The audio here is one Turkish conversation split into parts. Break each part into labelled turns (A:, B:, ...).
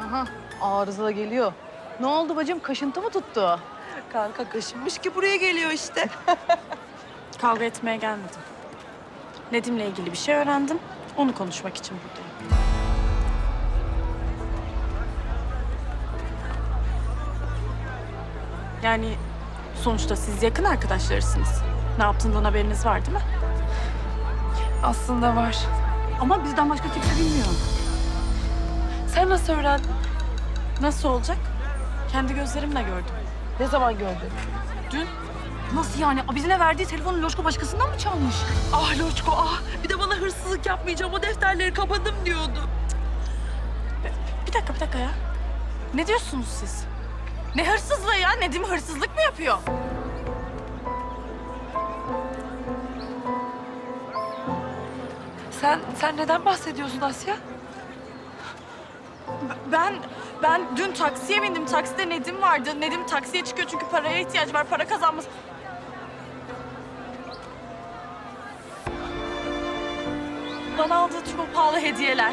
A: Aha, arıza da geliyor. Ne oldu bacım? Kaşıntı mı tuttu?
B: Kanka kaşınmış ki buraya geliyor işte.
C: Kavga etmeye gelmedim. Nedim'le ilgili bir şey öğrendim. Onu konuşmak için buradayım. Yani sonuçta siz yakın arkadaşlarısınız. Ne yaptığından haberiniz var değil mi?
B: Aslında var.
C: Ama bizden başka kimse bilmiyor.
B: Sen nasıl öğrendin?
C: Nasıl olacak? Kendi gözlerimle gördüm.
B: Ne zaman gördün?
C: Dün
A: Nasıl yani? Bizine verdiği telefonu Loşko başkasından mı çalmış?
B: Ah Loçko ah. Bir de bana hırsızlık yapmayacağım. O defterleri kapadım diyordu.
C: bir dakika ya. Ne diyorsunuz siz? Ne hırsızlığı ya? Nedim hırsızlık mı yapıyor?
B: Sen neden bahsediyorsun Asya?
C: Ben dün taksiye bindim. Takside Nedim vardı. Nedim taksiye çıkıyor çünkü paraya ihtiyacı var. Para kazanması. Bana aldığı çok pahalı hediyeler.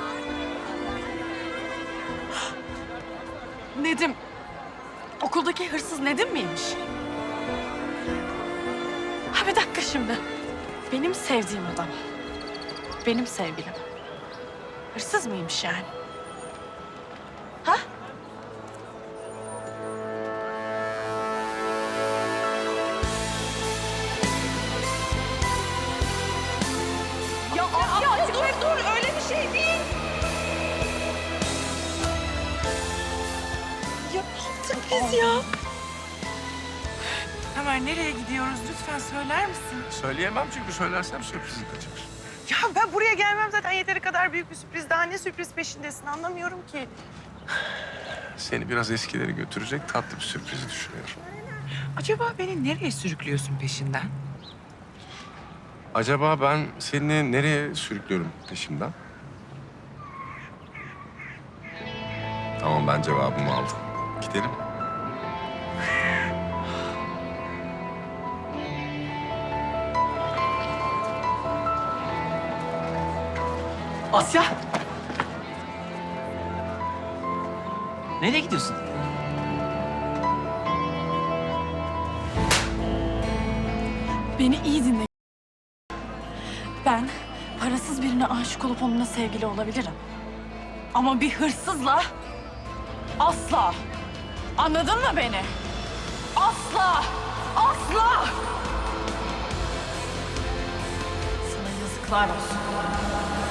C: Nedim. Okuldaki hırsız Nedim miymiş? Ha bir dakika şimdi. Benim sevdiğim adam. Benim sevgilim. Hırsız mıymış yani? Ha?
B: Ya Asya dur öyle bir şey değil. Ya ne yaptık biz ya?
D: Ömer nereye gidiyoruz lütfen söyler misin?
E: Söyleyemem çünkü söylersem sürprizin kaçar.
D: Ya ben buraya gelmem zaten yeteri kadar büyük bir sürpriz. Daha ne sürpriz peşindesin anlamıyorum ki.
E: Seni biraz eskileri götürecek tatlı bir sürprizi düşünüyorum.
D: Acaba beni nereye sürüklüyorsun peşinden?
E: Acaba ben seni nereye sürüklüyorum peşimden? Tamam ben cevabımı aldım. Gidelim.
F: Asya! Nereye gidiyorsun?
C: Beni iyi dinle. Ben parasız birine aşık olup onunla sevgili olabilirim. Ama bir hırsızla asla. Anladın mı beni? Asla! Asla! Sana yazıklar olsun.